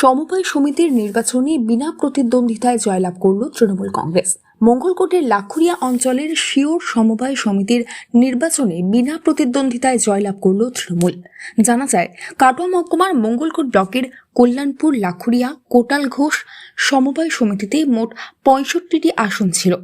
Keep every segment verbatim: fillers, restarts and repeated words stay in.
সমবায় সমিতির নির্বাচনে বিনা প্রতিদ্বন্দ্বিতায় জয়লাভ করল তৃণমূল কংগ্রেস। মঙ্গলকোটের লাখুরিয়া অঞ্চলের শিওর সমবায় সমিতির নির্বাচনে বিনা প্রতিদ্বন্দ্বিতায় জয়লাভ করল তৃণমূল। জানা যায়, কাটোয়া মহকুমার মঙ্গলকোট ব্লকের কল্যাণপুর, লাখুরিয়া, কোটাল ঘোষ সমবায় সমিতিতে মোট পঁয়ষট্টিটি আসন ছিল।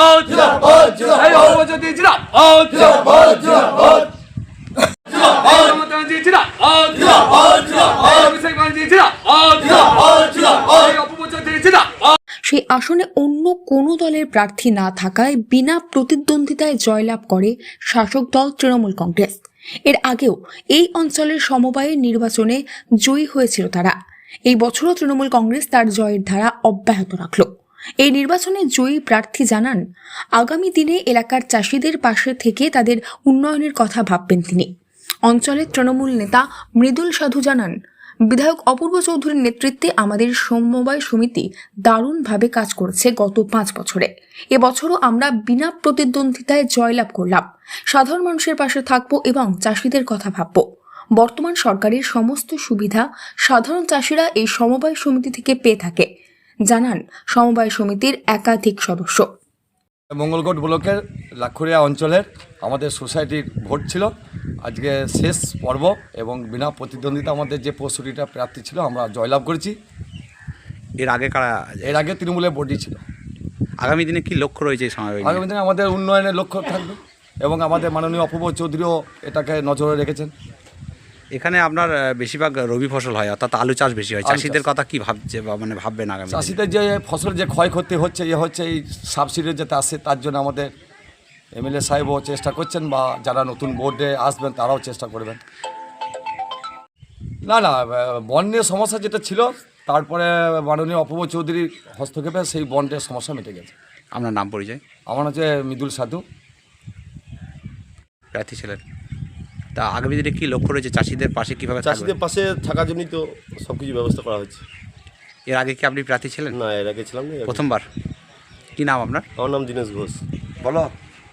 সেই আসনে অন্য কোনো দলের প্রার্থী না থাকায় বিনা প্রতিদ্বন্দ্বিতায় জয়লাভ করে শাসক দল তৃণমূল কংগ্রেস। এর আগেও এই অঞ্চলের সমবায়ের নির্বাচনে জয়ী হয়েছিল তারা। এই বছরও তৃণমূল কংগ্রেস তার জয়ের ধারা অব্যাহত রাখল। এই নির্বাচনে জয়ী প্রার্থী জানান, আগামী দিনে এলাকার চাষিদের পাশে থেকে তাদের উন্নয়নের কথা ভাববেন তিনি। অঞ্চলের তৃণমূল নেতা মৃদুল সাধু জানান, বিধায়ক অপূর্ব চৌধুরীর নেতৃত্বে আমাদের সমবায় সমিতি দারুণভাবে কাজ করেছে গত পাঁচ বছরে। এবছরও আমরা বিনা প্রতিদ্বন্দ্বিতায় জয়লাভ করলাম। সাধারণ মানুষের পাশে থাকবো এবং চাষিদের কথা ভাবব। বর্তমান সরকারের সমস্ত সুবিধা সাধারণ চাষিরা এই সমবায় সমিতি থেকে পেয়ে থাকে, জানান সমবায় সমিতির একাধিক সদস্য। মঙ্গলকোট ব্লকের লাখুরিয়া অঞ্চলের আমাদের সোসাইটির ভোট ছিল আজকে শেষ পর্ব এবং বিনা প্রতিদ্বন্দ্বিতা আমাদের যে পঁয়ষট্টিটা প্রার্থী ছিল আমরা জয়লাভ করেছি। এর আগে কারা এর আগে তৃণমূলের বডি ছিল। আগামী দিনে কি লক্ষ্য রয়েছে এই সময়? আগামী দিনে আমাদের উন্নয়নের লক্ষ্য থাকবে এবং আমাদের মাননীয় অপূর্ব চৌধুরীও এটাকে নজরে রেখেছেন। এখানে আপনার বেশিরভাগ রবি ফসল হয়, অর্থাৎ আলু চাষ বেশি হয়। চাষিদের কথা কি ভাবছে বা মানে ভাববেন আগামী? চাষিদের যে ফসল যে ক্ষয়ক্ষতি হচ্ছে এ হচ্ছে এই সাবসিডি যাতে আসে, তার জন্য আমাদের এমএলএ সাহেবও চেষ্টা করছেন বা যারা নতুন বোর্ডে আসবেন তারাও চেষ্টা করবেন। না না বন্যের সমস্যা যেটা ছিল, তারপরে মাননীয় অপূর্ব চৌধুরীর হস্তক্ষেপে সেই বন্ডের সমস্যা মিটে গেছে। আপনার নাম পরিচয়? আমার হচ্ছে মৃদুল সাধু, প্রার্থী ছিলেন। তা আগামী দিনে কি লক্ষ্য রয়েছে? চাষিদের পাশে কীভাবে? চাষিদের পাশে থাকার জন্যই তো সব কিছু ব্যবস্থা করা হচ্ছে। এর আগে কি আপনি প্রার্থী ছিলেন? না, এর আগে ছিলাম না। প্রথমবার। কি নাম আপনার? আমার নাম দীনেশ ঘোষ। বলো।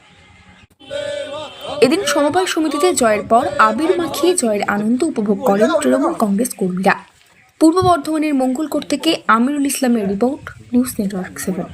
এদিন সমবায় সমিতিতে জয়ের পর আবির মাখিয়ে জয়ের আনন্দ উপভোগ করেন তৃণমূল কংগ্রেস কর্মীরা। পূর্ব বর্ধমানের মঙ্গলকোট থেকে আমিরুল ইসলামের report, news network seven.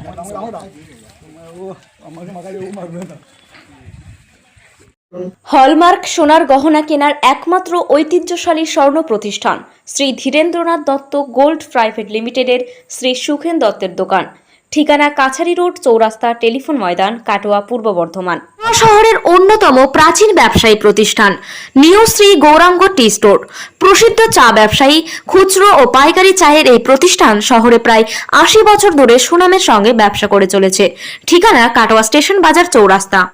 Hallmark সোনার গহনা কেনার একমাত্র ঐতিহ্যশালী স্বর্ণ প্রতিষ্ঠান শ্রী ধীরেন্দ্রনাথ দত্ত গোল্ড প্রাইভেট লিমিটেডের শ্রী সুখেন দত্তের দোকান। ঠিকানা কাছারি রোড, চৌরাস্তা, টেলিফোন ময়দান, কাটোয়া, পূর্ব বর্ধমান। শহরের অন্যতম প্রাচীন ব্যবসায়ী প্রতিষ্ঠান new Shri Gouranga tea store. প্রসিদ্ধ চা ব্যবসায়ী, খুচরো ও পাইকারি চায়ের এই প্রতিষ্ঠান শহরে প্রায় আশি বছর ধরে সুনামের সঙ্গে ব্যবসা করে চলেছে। ঠিকানা কাটোয়া স্টেশন বাজার, চৌরাস্তা।